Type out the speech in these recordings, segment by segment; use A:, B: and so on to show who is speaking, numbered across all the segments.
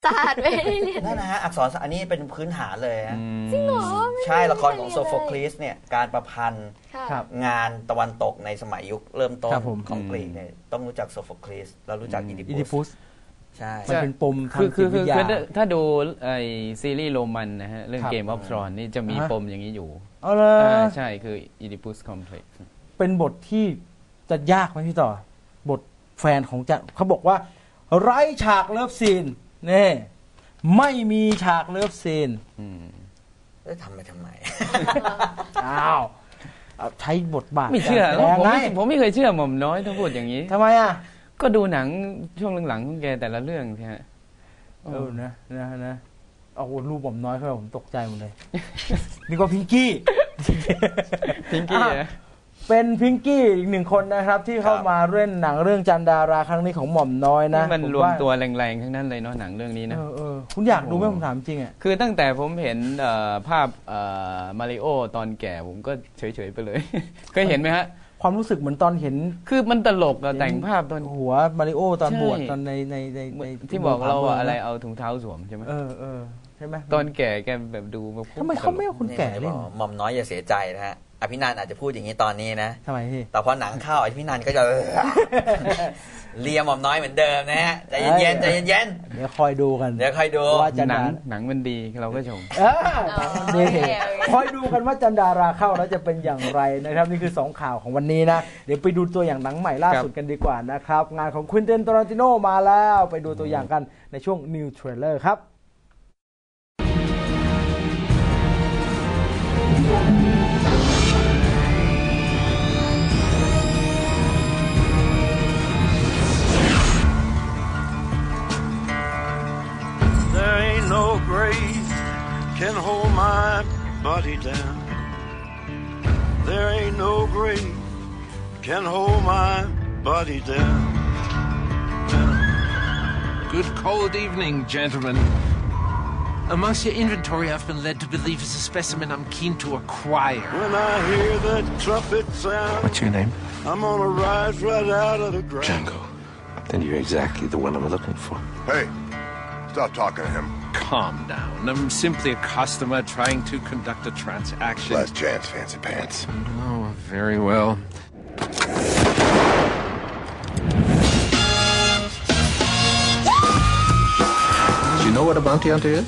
A: ศาสตร์ไม่ได้เรียน
B: นั่นนะฮะอักษรอันนี้เป็นพื้นฐานเลยฮะ
A: จริงเหรอ
B: ใช่ละครของโซโฟคลีสเนี่ยการประพันธ์งานตะวันตกในสมัยยุคเริ่มต้นของกรีกเนี่ยต้องรู้จักโซโฟคลีสแล้วรู้จักอีดิปุสใช่
C: มันเป็นปมทางจิตวิทยาถ้าดูไอซีรีส์โรมันนะฮะเรื่อง Game of Thrones นี่จะมีปมอย่างนี้อยู่ใช่คือ Oedipus Complex เป็นบทที่จะยากไหมพี่ต่อบทแฟนของจันเขาบอกว่าไร้ฉากเลิฟซีนนี่ไม่มีฉากเลิฟซีน
B: ทำไม
C: อ้าวใช้บทบาทไม่เชื่อผมไม่เคยเชื่อหม่อมน้อยถ้าพูดอย่างนี้ทำไมอ่ะก็ดูหนังช่วงหลังๆของแกแต่ละเรื่องใช่ไหมนะเอารูปหม่อมน้อยเข้าผมตกใจหมดเลยนี่ก็พิงกี้เป็นพิงกี้อีกหนึ่งคนนะครับที่เข้ามาเล่นหนังเรื่องจันดาราครั้งนี้ของหม่อมน้อยนะมันรวมตัวแรงๆทั้งนั้นเลยเนาะหนังเรื่องนี้นะคุณอยากดูไหมผมถามจริงอ่ะคือตั้งแต่ผมเห็นภาพมาริโอตอนแก่ผมก็เฉยๆไปเลยเคยเห็นไหมฮะความรู้สึกเหมือนตอนเห็นคือมันตลกอะแต่งภาพตอนหัวมาริโอตอนบวชตอนในที่บอกเราอะไรเอาถุงเท้าสวมใช่ไหมใช่ไหมตอนแก่แกแบบดูทำไมเขาไม่เอาคนแก่เล่น
B: หม่อมน้อยอย่าเสียใจนะฮะอภินันท์อาจจะพูดอย่างนี้ตอนนี้นะ
C: ทำไมพี่
B: แต่พอหนังเข้าอภินันท์ก็จะเลียหม่อมน้อยเหมือนเดิมนะฮะใจเย็นใจเย็น
C: เดี๋ยวคอยดูกัน
B: เดี๋ยวคอยดู
C: ว่าหนังมันดีเราก็ชมคอยดูกันว่าจันดาราเข้าแล้วจะเป็นอย่างไรนะครับนี่คือ2ข่าวของวันนี้นะเดี๋ยวไปดูตัวอย่างหนังใหม่ล่าสุดกันดีกว่านะครับงานของควินเตน ทารันติโนมาแล้วไปดูตัวอย่างกันในช่วง New Trailer ครับ
D: No grave can hold my body down. There ain't no grave can hold my body down.
E: Good cold evening, gentlemen. Amongst your inventory, I've been led to believe is a specimen I'm keen to acquire.
D: When I hear that trumpet sound,
E: what's your name?
D: I'm gonna rise right out of the ground.
E: Django. Then you're exactly the one I'm looking for.
F: Hey, stop talking to him.
E: Calm down. I'm simply a customer trying to conduct a transaction.
F: Last chance, fancy pants.
E: Oh, very well. Do you know what a bounty hunter is?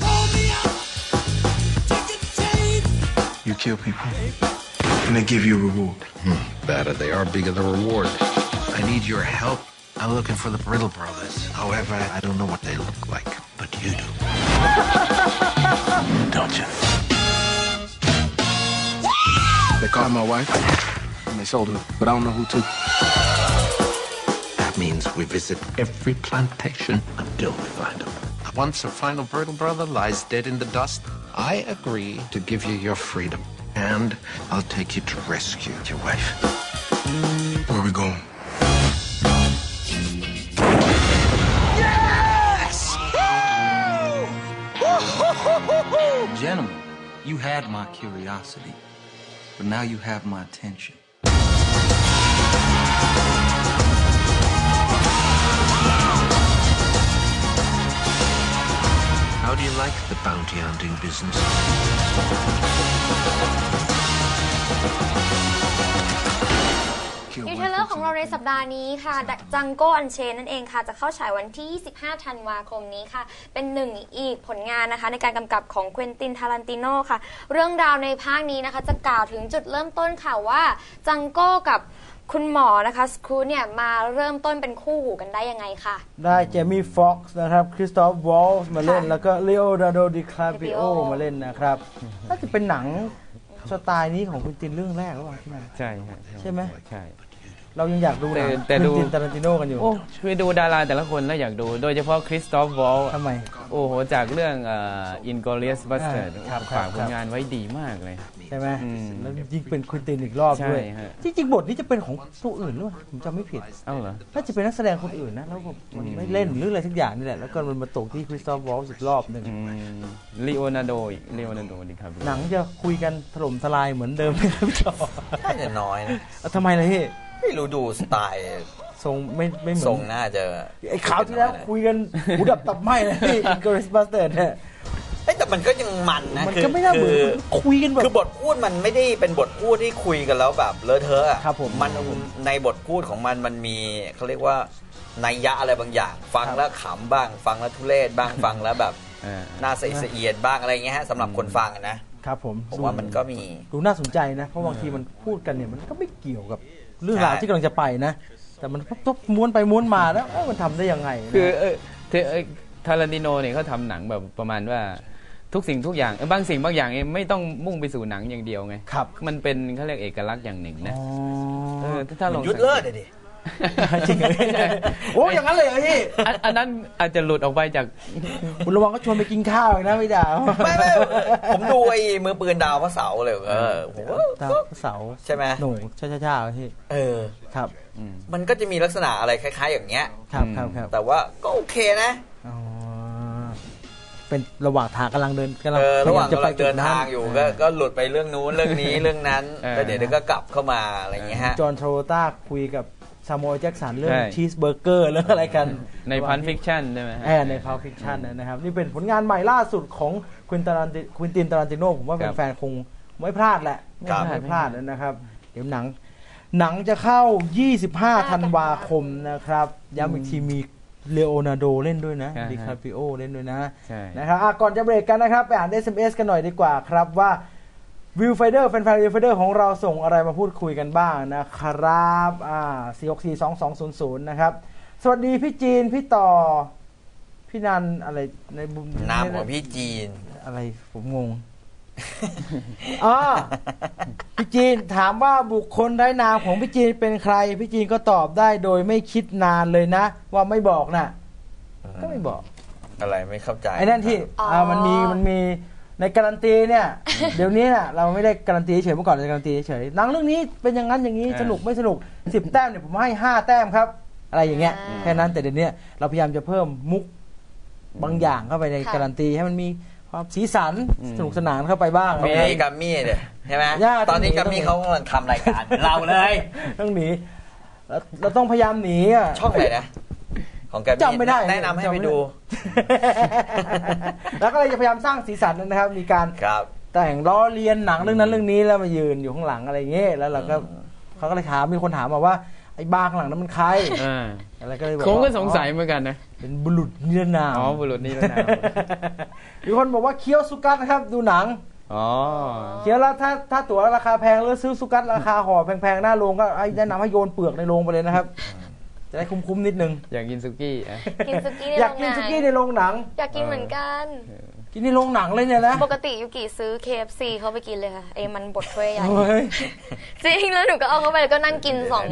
F: You kill people, and they give you a reward.
E: Better they are, bigger the reward. I need your help. I'm looking for the Brittle Brothers. However, I don't know what they look like, but you do. Don't you?
F: They caught my wife, and they sold her, but I don't know who to.
E: That means we visit every plantation until we find them. Once a final Brittle Brother lies dead in the dust, I agree to give you your freedom, and I'll take you to rescue your wife.
F: Where are we going?
G: Gentlemen, you had my curiosity, but now you have my attention.
E: How do you like the bounty hunting business?
A: นิวเทเลอร์ของเราในสัปดาห์นี้ค่ะจังโก้อันเชนนั่นเองค่ะจะเข้าฉายวันที่25ธันวาคมนี้ค่ะเป็นหนึ่งอีกผลงานนะคะในการกำกับของเควินติน ทารันติโนค่ะเรื่องราวในภาคนี้นะคะจะกล่าวถึงจุดเริ่มต้นค่ะว่าจังโก้กับคุณหมอนะคะสครูเนี่ยมาเริ่มต้นเป็นคู่หูกันได้ยังไงค่ะ
C: ได้เจมี่ฟ็อกซ์นะครับคริสตอฟวอลส์มาเล่นแล้วก็เลโอนาร์โด ดิคาปิโอมาเล่นนะครับน่าจะเป็นหนังสไตล์นี้ของคุณตินเรื่องแรกหรือเปล่าใช่ใช่ไหมใช่เรายังอยากดูหนังคุณติน ทารันติโนกันอยู่
H: คือดูดาราแต่ละคนแล้วอยากดูโดยเฉพาะคริสตอฟวอล
C: ทำไม
H: โอ้โหจากเรื่องInglourious Basterds ฝากผลงานไว้ดีมากเลย
C: ใช่ไหมแล้วยิ่งเป็นคุณตินอีกรอบด้วยจริงๆบทนี้จะเป็นของตัวอื่นหรือเปล่าผมจำไม่ผิด
H: เหรอ
C: ถ้าจะเป็นนักแสดงคนอื่นนะแล้วมันไม่เล่นหรืออะไรทุกอย่างนี่แหละแล้วก็มันมาตกที่คริสตอฟวอลส์อีกรอบนึง
H: ลีโอนาร์โดดิครับ
C: หนังจะคุยกันถล่มทลายเหมือนเดิมไหมครับพี่จอ
B: น่าจะน้อยนะ
C: ทำไมล่ะพี่
B: ไม่รู้ดูสไตล์
C: ทรงไม่เหมือน
B: ทรงน่าจะ
C: ไอ้ข่าวที่แล้วคุยกันหูดับตับไหม้เลยที่ Inglourious Basterds เนี่ย
B: แต่มันก็ยังมันนะ
C: มันก็ไม่น่าเบื่อคุยกันแบบ
B: คือบทพูดมันไม่ได้เป็นบทพูดที่คุยกันแล้วแบบเลอะเทอะ
C: ครับผม
B: มันในบทพูดของมันมีเขาเรียกว่านัยยะอะไรบางอย่างฟังแล้วขำบ้างฟังแล้วทุเรศบ้างฟังแล้วแบบน่าเสียดบ้างอะไรเงี้ยฮะสำหรับคนฟังนะครับผมว่ามันก็มี
C: ดูน่าสนใจนะเพราะบางทีมันพูดกันเนี่ยมันก็ไม่เกี่ยวกับเรื่องราวที่กำลังจะไปนะแต่มันทบม้วนไปม้วนมาแล้วมันทำได้ยังไง
H: คือทารันติโนเนี่ยเขาทำหนังแบบประมาณว่าทุกสิ่งทุกอย่างบางสิ่งบางอย่างไม่ต้องมุ่งไปสู่หนังอย่างเดียวไง
C: ครับ
H: มันเป็นเขาเรียกเอกลักษณ์อย่างหนึ่งนะ
B: ถ้าลองยุดเลิศดิ
C: จริงโอ้อย่างนั้นเลยพี่
H: อันนั้นอาจจะหลุดออกไปจาก
C: คุณระวังก็ชวนไปกินข้าวนะไม่ด่า
B: ไม่ผมดูไอ้มือปืนดาวพระเสาเลย
C: ดาวพระเสา
B: ใช่ไหม
C: หนูช้าๆพี่ครับ
B: มันก็จะมีลักษณะอะไรคล้ายๆอย่างเงี้ย
C: ครับ
B: แต่ว่าก็โอเคนะ
C: เป็นระหว่างทางกำลังเดิน
B: ระหว่างจะไปเดินทางอยู่ก็หลุดไปเรื่องนู้นเรื่องนี้เรื่องนั้นแล้วเดี๋ยวก็กลับเข้ามาอะไรอย่างเงี้ยฮะ
C: จอห์นโทรต้าคุยกับซามอยล์แจ็คสันเรื่องชีสเบอร์เกอร์เรื่องอะไรกัน
H: ในพันฟิกชันใช่ไหม
C: ในพันฟิกชันนะครับนี่เป็นผลงานใหม่ล่าสุดของควินติน ตารันติโนผมว่าแฟนๆคงไม่พลาดแหละไม่พลาดนะครับเดี๋ยวหนังจะเข้า25ธันวาคมนะครับย้ำอีกทีมีเลโอนาร์โดเล่นด้วยนะดิคาปิโอเล่นด้วยนะครับก่อนจะเบรกกันนะครับไปอ่าน SMS กันหน่อยดีกว่าครับว่าวิวไฟเดอร์แฟนๆวิวไฟเดอร์ของเราส่งอะไรมาพูดคุยกันบ้างนะครับ4642200นะครับสวัสดีพี่จีนพี่ต่อพี่นันอะไรใน
B: นามของพี่จีน
C: อะไรผมงงพี่จีนถามว่าบุคคลไร้นามของพี่จีนเป็นใครพี่จีนก็ตอบได้โดยไม่คิดนานเลยนะว่าไม่บอกนะก็ไม่บอก
B: อะไรไม่เข้าใจ
C: ไอ้นั่นที่มันมีในการันตีเนี่ยเดี๋ยวนี้น่ะเราไม่ได้การันตีเฉยเมื่อก่อนเราการันตีเฉยหนังเรื่องนี้เป็นอย่างนั้นอย่างนี้สนุกไม่สนุก10 แต้มเนี่ยผมให้5 แต้มครับอะไรอย่างเงี้ยแค่นั้นแต่เดี๋ยวนี้เราพยายามจะเพิ่มมุกบางอย่างเข้าไปในการันตีให้มันมีความสีสันสนุกสนานเข้าไปบ้าง
B: มีกัมมี่เนี่ยใช่ไหมตอนนี้กัมมี่เขากำลังทำรายการเราเลย
C: ต้องหนีเราต้องพยายามหนี
B: ช่องไหนนะของแก
C: จำไม่ได้
B: แนะนำให้ไปดู
C: แล้วก็เลยจะพยายามสร้างสีสันนะครับมีการแต่งล้อเลียนหนังเรื่องนั้นเรื่องนี้แล้วมายืนอยู่ข้างหลังอะไรเงี้ยแล้วเราก็เขาก็เลยถามมีคนถามมาว่าไอ้บ้าข้างหลังนั้นมันใคร
H: อะไรก็เลยบอกผมก็สงสัยเหมือนกันนะ
C: เป็นบุรุษนิรนาม
H: บุรุษนิรนาม
C: มีคนบอกว่าเคี้ยวสุกัดนะครับดูหนังเคี้ยวแล้วถ้าตั๋วราคาแพงแล้วซื้อสุกัดราคาห่อแพงๆหน้าโรงก็แนะนำให้โยนเปลือกในโรงไปเลยนะครับจะได้คุ้มๆนิดนึง
H: อยากกินซุกี้
C: อยากกินซุกี้ในโรงหนัง
A: อยากกินเหมือนกัน
C: กินในโรงหนังเลยเนี่ยนะ
A: ปกติยูกิซื้อ KFC เขาไปกินเลยค่ะมันบดถ้วยใหญ่จริงแล้วหนูก็เอาเข้าไปแล้วก็นั่งกิน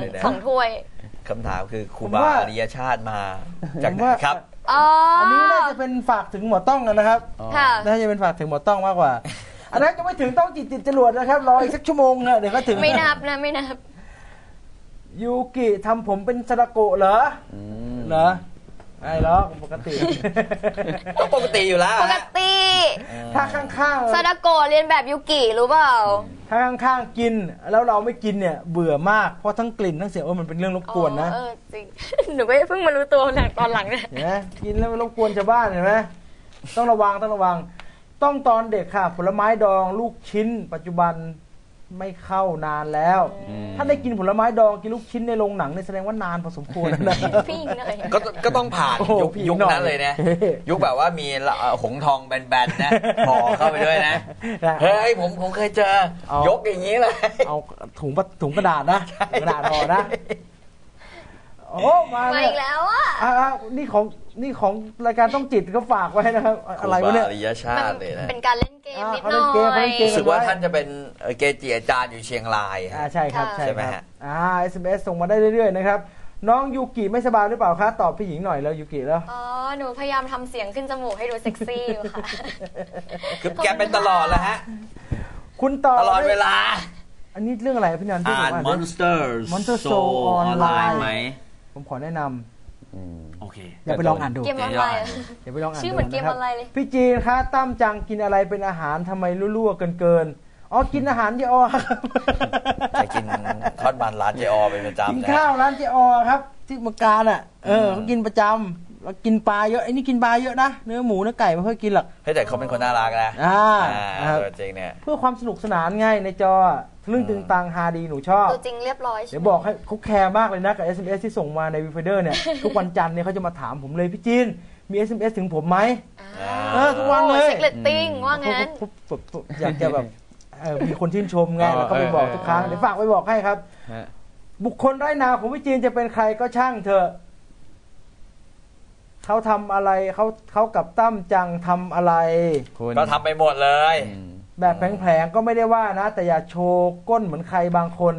A: 2ถ้วย
B: คำถามคือครูบาอริยชาติมาจากไหนครับ
C: อันนี้น่าจะเป็นฝากถึงหมอต้องนะครับน่าจะเป็นฝากถึงหมอต้องมากกว่าอันนั้นก็ไม่ถึงต้องจิตจรวดนะครับรออีกสักชั่วโมงนะเดี๋ยวก็ถึง
A: ไม่นับนะไม่นับ
C: ยูกิทำผมเป็นซาดาโกะเหรอไอ้ล้อปกติ
B: ก็ปกติอยู่แล้ว
A: ปกติ
C: ถ้าข้าง
A: ๆซาดาโกะเรียนแบบยูกิรู้เปล่า
C: ถ้าข้างๆกินแล้วเราไม่กินเนี่ยเบื่อมากเพราะทั้งกลิ่นทั้งเสียงมันเป็นเรื่องรบกวนนะ
A: จริงหนูก็เพิ่งมารู้ตัวตอนหลังเนี่ย
C: เห็นไหมกินแล้วมันรบกวนชาวบ้านเห็นไหมต้องระวังต้องตอนเด็กค่ะผลไม้ดองลูกชิ้นปัจจุบันไม่เข้านานแล้วถ้าได้กินผลไม้ดองกินลูกชิ้นในโรงหนังเนี่ยแสดงว่านานพอสมควรนะ
B: ก็ต้องผ่านยุคนั้นเลยนะยุคแบบว่ามีหงทองแบนๆนะห่อเข้าไปด้วยนะเฮ้ยผมเคยเจอยกอย่างนี้เลย
C: เอาถุงกระดาษนะกระดาษห่อนะโอ้มา
A: อีกแล้วอ่ะ
C: นี่ของรายการต้องจิตก็ฝากไว้นะครับอะไรวะเนี่ย
B: อริยชาติเลยนะ
A: เป็นการเล่นเกมนิดหน่อย
B: รู้สึกว่าท่านจะเป็นเกจิอาจารย์อยู่เชียงราย
C: ใช่ครับใช่ไหมฮะSMS ส่งมาได้เรื่อยๆนะครับน้องยูกิไม่สบายหรือเปล่าคะตอบพี่หญิงหน่อยแล้วยูกิแล้ว
A: หนูพยายามทำเสียงขึ้นจมูกให้ดูเซ็กซี่อยู่ค่ะ
B: คือแกเป็นตลอดแล้วฮะ
C: คุณต่อ
B: ตลอดเวลา
C: อันนี้เรื่องอะไรพี่นัน
B: ที่บอกว่า Monster Soul ออนไลน์ไหม
C: ผมขอแนะนำ
B: โอเค
C: อย่าไปลองอ่านดู
A: เกมออนไลน์
C: อย่าไปลองอ่าน
A: ชื่อเหมือนเกมออนไลน์เลย
C: พี่จีนคะตั้มจังกินอะไรเป็นอาหารทำไมรั่วๆเกินอ๋อกินอาหารเจอครับ
B: จะกินทอดมันร้านเจอเป็นประจำ
C: กินข้าวร้านเจอครับที่เมืองการอ่ะเขากินประจำแล้วกินปลาเยอะไอ้นี่กินปลาเยอะนะเนื้อหมูเนื้อไก่ไม่ค่อยกินหรอก
B: แต่เขาเป็นคนน่ารักนะจริงเนี่ย
C: เพื่อความสนุกสนานง่ายในจอเรื่องตึงตังฮาดีหนูชอบ
A: ตัวจริงเรียบร้อย
C: เดี๋ยวบอกให้เขาแคร์มากเลยนะกับ SMS ที่ส่งมาในวีไฟเดอร์เนี่ยทุกวันจันทร์เนี่ยเขาจะมาถามผมเลยพี่จีนมี SMS ถึงผมไหมทุกวันเลย
A: เช็คเรตติ้งว่างั้น
C: อยากจะแบบมีคนชื่นชมไงแล้วก็ไปบอกทุกครั้งเดี๋ยวฝากไปบอกให้ครับบุคคลไร้นามของพี่จีนจะเป็นใครก็ช่างเถอะเขาทำอะไรเขากับตั้มจังทำอะไร
B: ก็ทำไปหมดเลย
C: แบบแผลงๆก็ไม่ได้ว่านะแต่อย่าโชว์ก้นเหมือนใครบางคน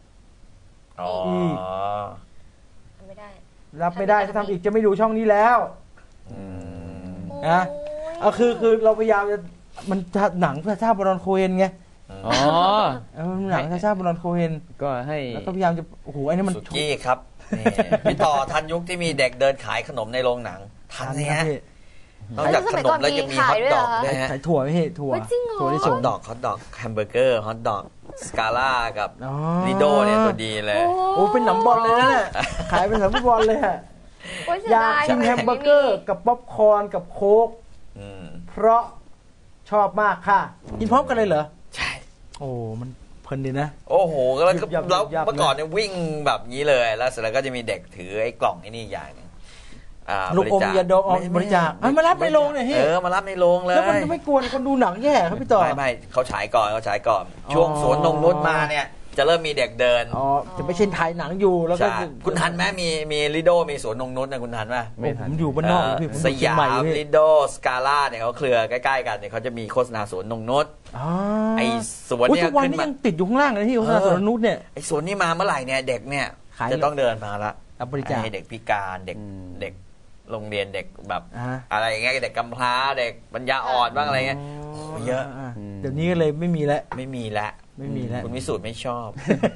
A: ไม่ได้
C: รับไม่ได้ถ้าทำอีกจะไม่ดูช่องนี้แล้วนะคือเราพยายามจะมันหนังชาบรอนโคเฮนไงหนังชาบรอนโคเฮน
H: ก็ให้
C: แล้วก็พยายามจะโอ้โหไอ้นี่มัน
B: สุกี้ครับพี่ต่อทันยุคที่มีเด็กเดินขายขนมในโรงหนังทันเนี่ยนอกจากขนมแล้วยังมีฮอทดอกด้วยฮะ
C: ขายถั่วไม่ใช่ถั่ว
B: ที่ฮอทดอกแฮมเบอร์เกอร์ฮอทดอกสกาล่ากับลิโดเนี่ยตัวดีเลย
C: โอ้เป็นหนังบอลเลยนะเนี่ยขายเป็นหนังบอลเลยฮะอยากกินแฮมเบอร์เกอร์กับป๊อปคอร์นกับโค้กเพราะชอบมากค่ะกินพร้อมกันเลยเหรอ
B: ใช่
C: โอ้มันเพลินดีนะ
B: โอ้โหแล้วเมื่อก่อนเนี่ยวิ่งแบบนี้เลยแล้วเสร็จแล้วก็จะมีเด็กถือไอ้กล่องไอ้นี่อย่างนึง
C: ลูกอมยาดองบริจาคมารับในโรงเนี่ย
B: มารับในโรงเลย
C: แล้วมันจะไม่กวนคนดูหนังแย่ครับพี่ต่อ
B: ไม่เขาฉายก่อนช่วงสวนนงนุชมาเนี่ยจะเริ่มมีเด็กเดิน
C: จะไม่ใช่ถ่ายหนังอยู่แล้วก็
B: คุณทันไหมมีลิโดมีสวนนงนุชนะคุณทันไหม
C: ไม่ทันผมอยู่บ้านนอกพี่
B: สยามลิโดสกาล่าเนี่ยเขาเครือใกล้ๆกันเนี่ยเขาจะมีโฆษณาสวนนงนุชไอ้สวนเนี่ย
C: ทุกวันนี้ยังติดอยู่ข้างล่างเลยที่โฆษณาสวนนงนุชเนี่ย
B: ไอ้สวนนี้มาเมื่อไหร่เนี่ยเด็กเนี่ยจะต้องเดินมาละ
C: บริจาค
B: ให้เด็กพิการเด็กโรงเรียนเด็กแบบอะไรอย่างเงี้ยเด็กกำพร้าเด็กปัญญาอ่อนบ้างอะไรเงี้ยเยอะ
C: เดี๋ยวนี้ก็เลยไม่มีแล้ว
B: คุณวิสุทธ์ไม่ชอบ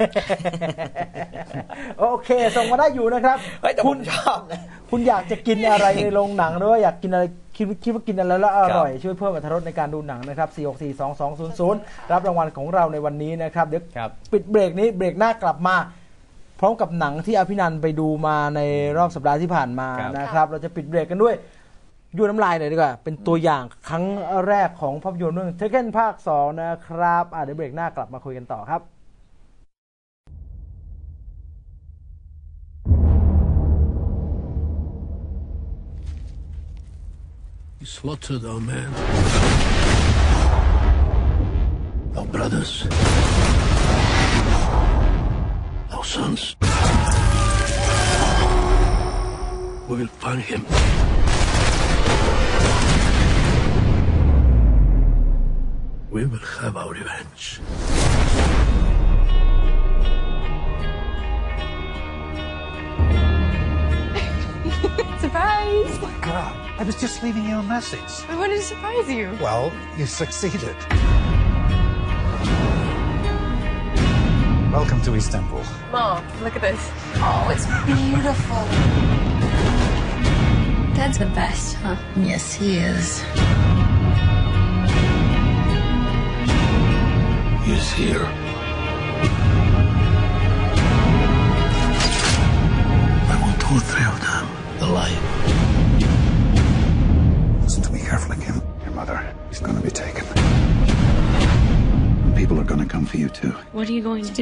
C: โอเคส่งมาได้อยู่นะครับ
B: คุณชอบนะ
C: คุณอยากจะกินอะไรในโรงหนังหรือว่าอยากกินอะไรคิดว่ากินอะไรแล้วอร่อยช่วยเพิ่มอรรถรสในการดูหนังนะครับ4642200รับรางวัลของเราในวันนี้นะครับเดี๋ยวปิดเบรกนี้เบรกหน้ากลับมาพร้อมกับหนังที่อภินันท์ไปดูมาในรอบสัปดาห์ที่ผ่านมานะครับเราจะปิดเบรกกันด้วยยูน้ำลายหน่อยดีกว่าเป็นตัวอย่างครั้งแรกของภาพยนตร์เรื่องเทคเก้นภาค 2นะครับเดี๋ยวเบรกหน้ากลับมาคุยกันต่อครับ
D: You slaughtered our men, our brothers, our sons. We will find him. We will have our revenge.
I: Surprise!
J: Oh my God, I was just leaving you a message.
I: I wanted to surprise you.
J: Well, you succeeded. Welcome to Istanbul.
I: Mom, look at this. Oh, it's beautiful. Dad's the best, huh?
K: Yes, he is.
D: He is here. I want all three of them alive.
J: Listen to me carefully, Kim. Your mother is going to be taken. And people are going to come for you, too.
I: What are you going to do?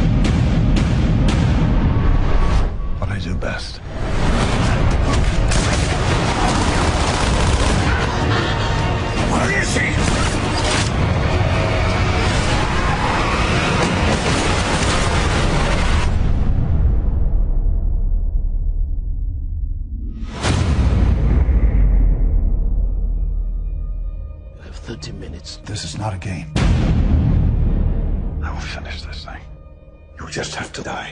J: What I do best.
D: Where is he? You have 30 minutes.
J: This is not a game. I will finish this thing. You just have to die.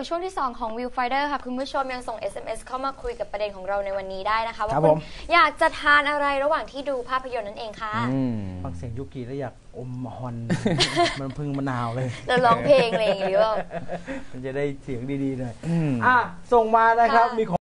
A: ช่วงที่ 2 ของ Viewfinder ค่ะคุณผู้ชมยังส่ง SMS เข้ามาคุยกับประเด็นของเราในวันนี้ได้นะคะว่าคุณอยากจะทานอะไรระหว่างที่ดูภาพยนตร์นั่นเองค่ะ
C: ฟังเสียงยุกิแล้วอยากอมฮอน มันพึ่งมะนาวเลย
A: แล้วร้องเพลงอะไรอย่างเงี้ยมัน
C: จะได้เสียงดีๆหน่อยส่งมานะครับมี